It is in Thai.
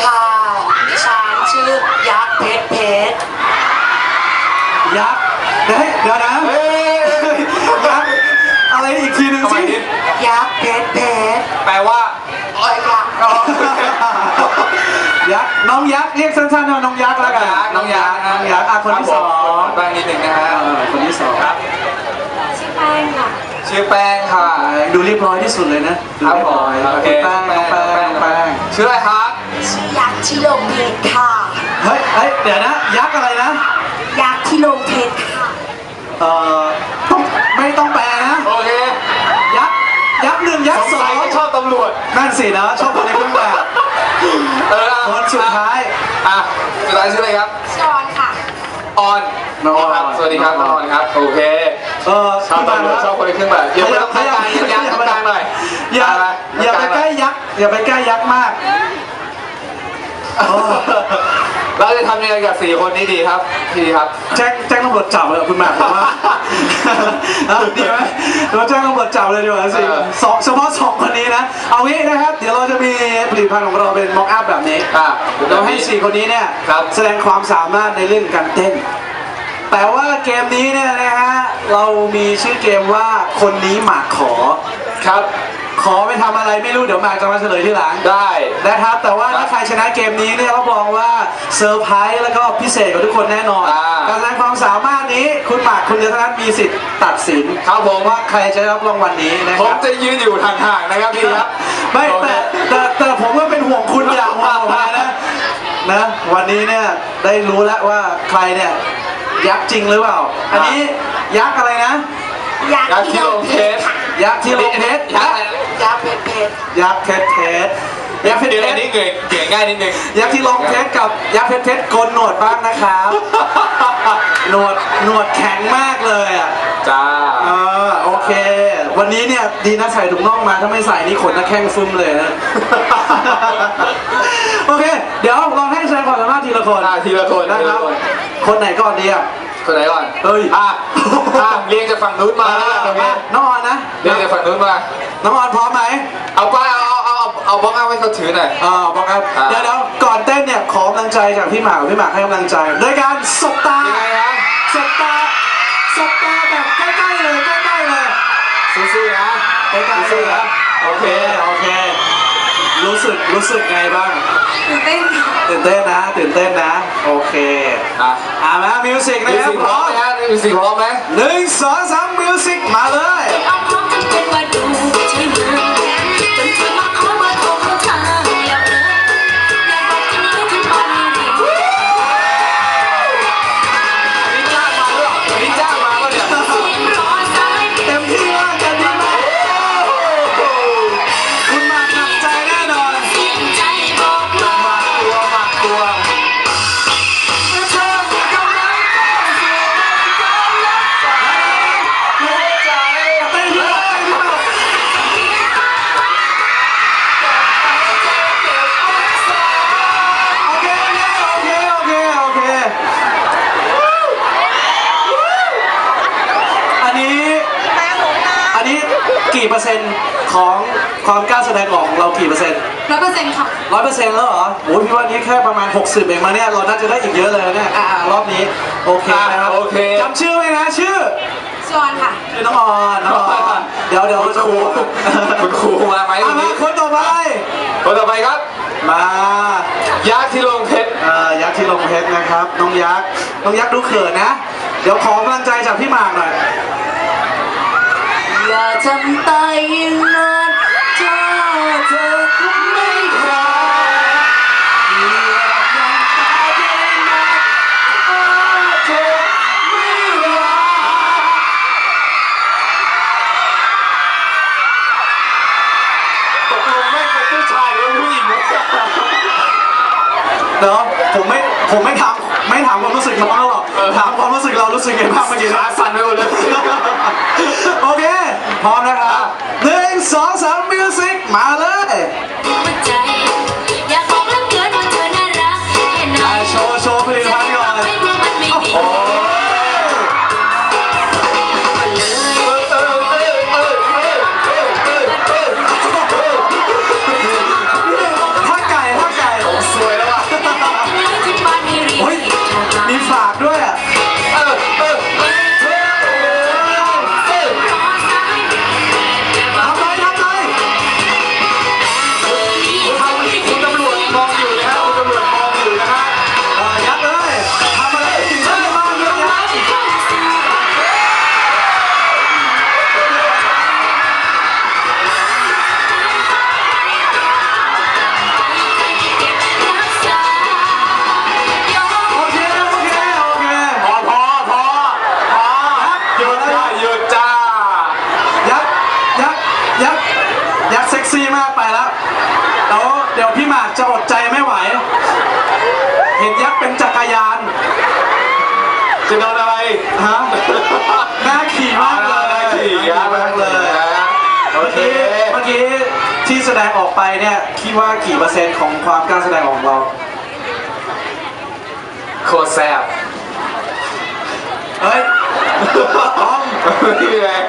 ค่ะดิฉันชื่อยักษ์เพชรยักษ์เดี๋ยวนะยักษ์อะไรอีกทีหนึ่งสิยักษ์เพชรแปลว่าอ้อยยักษ์ยักษ์น้องยักษ์เรียกสั้นๆว่าน้องยักษ์แล้วกันน้องยักษ์คนที่สองแป้งนิดหนึ่งนะฮะคนที่สองครับชื่อแป้งค่ะชื่อแป้งค่ะดูเรียบร้อยที่สุดเลยนะดูเรียบร้อยโอเคแป้งชื่ออะไรครับชื่อยักษ์ที่ลงเพชรค่ะเฮ้ยเดี๋ยวนะยักษ์อะไรนะยักษ์ที่ลงเพชรค่ะไม่ต้องแปลนะโอเคยักษ์หนึ่งยักษ์สองชอบตำรวจนั่นสินะชอบคนในเครื่องแบบคนสุดท้ายสุดท้ายชื่ออะไรครับชื่อออนค่ะออนน้องออนสวัสดีครับน้องออนครับโอเคชอบตำรวจชอบคนในเครื่องแบบอย่าไปต้องกลางยักษ์กลางหน่อยอย่าไปใกล้ยักษ์อย่าไปใกล้ยักษ์มากเราจะทำยังไงกับ4 คนนี้ดีครับพี่ครับแจ้งตำรวจจับเลยคุณหมากบอกว่าดีไหมเราแจ้งตำรวจจับเลยดีกว่าสิเฉพาะ2 คนนี้นะเอางี้นะครับเดี๋ยวเราจะมีผลิตภัณฑ์ของเราเป็นม็อกอัพแบบนี้เราให้4 คนนี้เนี่ยแสดงความสามารถในเรื่องการเต้นแต่ว่าเกมนี้เนี่ยนะฮะเรามีชื่อเกมว่าคนนี้หมากขอครับขอไปทำอะไรไม่รู้เดี๋ยวหมากจะมาเฉลยที่หลังได้นะครับแต่ว่าถ้าใครชนะเกมนี้เนี่ยรับรองว่าเซอร์ไพรส์แล้วก็พิเศษกับทุกคนแน่นอนการแสดงความสามารถนี้คุณหมากคุณเดียวเท่านั้นมีสิทธิ์ตัดสินครับผมว่าใครจะรับรางวัลนี้นะครับผมจะยืนอยู่ห่างๆนะครับพี่ครับไม่แต่ผมก็เป็นห่วงคุณอย่างห่วงมานะวันนี้เนี่ยได้รู้แล้วว่าใครเนี่ยยักษ์จริงหรือเปล่าอันนี้ยักษ์อะไรนะยักษ์ที่ลงเพชรยักษ์ที่ลงเพชรยักษ์เพชรยักษ์เพชรยักษ์เพชรอันนี้เก่งง่ายนิดนึงยักษ์ที่ลงเพชรกับยักษ์เพชรโกนหนวดบ้างนะครับหนวดแข็งมากเลยอ่ะจ้าโอเควันนี้เนี่ยดีนะใส่ถุงน่องมาถ้าไม่ใส่นี่ขนจะแข้งฟึ้มเลยนะโอเคเดี๋ยวลองให้แสดงความสามารถทีละคนนะครับคนไหนก่อนดีอ่ะคนไหนก่อนเฮ้ยเรียงจากฝั่งนู้นมาน้องออนนะเรียงจากฝั่งนู้นมาน้องออนพร้อมไหมเอาป้าเอาบล็อกเอาไว้เขาถือหน่อยบล็อกเอาเดี๋ยวก่อนเต้นเนี่ยขอกำลังใจจากพี่หมากให้กำลังใจโดยการสบตาสบตาแบบใกล้ๆเลยสู้ๆนะใกล้ๆเลยนะโอเครู้สึกไงบ้างตื่นเต้นนะโอเคมามิวสิกนะครับพร้อมไหมมิวสิกพร้อมไหม 1 2 3มิวสิกมาเลยกี่เปอร์เซ็นต์ของความกล้าแสดงออกของเรากี่เปอร์เซ็นต์ 100%ค่ะ 100%แล้วเหรอโอ้ยพี่ว่านี้แค่ประมาณ60เองมาเนี่ยเราน่าจะได้อีกเยอะเลยเนี่ยรอบนี้โอเคนะครับจำชื่อไหมนะชื่อออนค่ะชื่อน้องออนเดี๋ยวจะคุณครูมาไหมมาคนต่อไปครับมายักษ์ที่ลงเพชรยักษ์ที่ลงเพชรนะครับน้องยักษ์ดูเขินนะเดี๋ยวขอกำลังใจจากพี่หมากหน่อยอย่าทำตายอย่างนั้นเธอคงไม่รักอย่าทำตายอย่างนั้นเธอไม่รักตกลงไม่เป็นผู้ชายหรือผู้หญิงเนาะผมไม่ถามความรู้สึกน้องหรอกถามความรู้สึกเรารู้สึกไงบ้างเมื่อกี้ขาสั่นไปหมดเลยโอเคพร้อมนะครับ1 2 3มิวสิกมาเลยโชว์ผลิตภัณฑ์ก่อนถ้าไก่สวยจะอดใจไม่ไหว เห็นยักษ์เป็นจักรยานจะโดนอะไรฮะน่าขี่มากเลยน่าขี่มากเลยเมื่อกี้ที่แสดงออกไปเนี่ยคิดว่ากี่เปอร์เซ็นต์ของความกล้าแสดงออกของเราโคตรแซ่บเฮ้ยต้องนี่ไง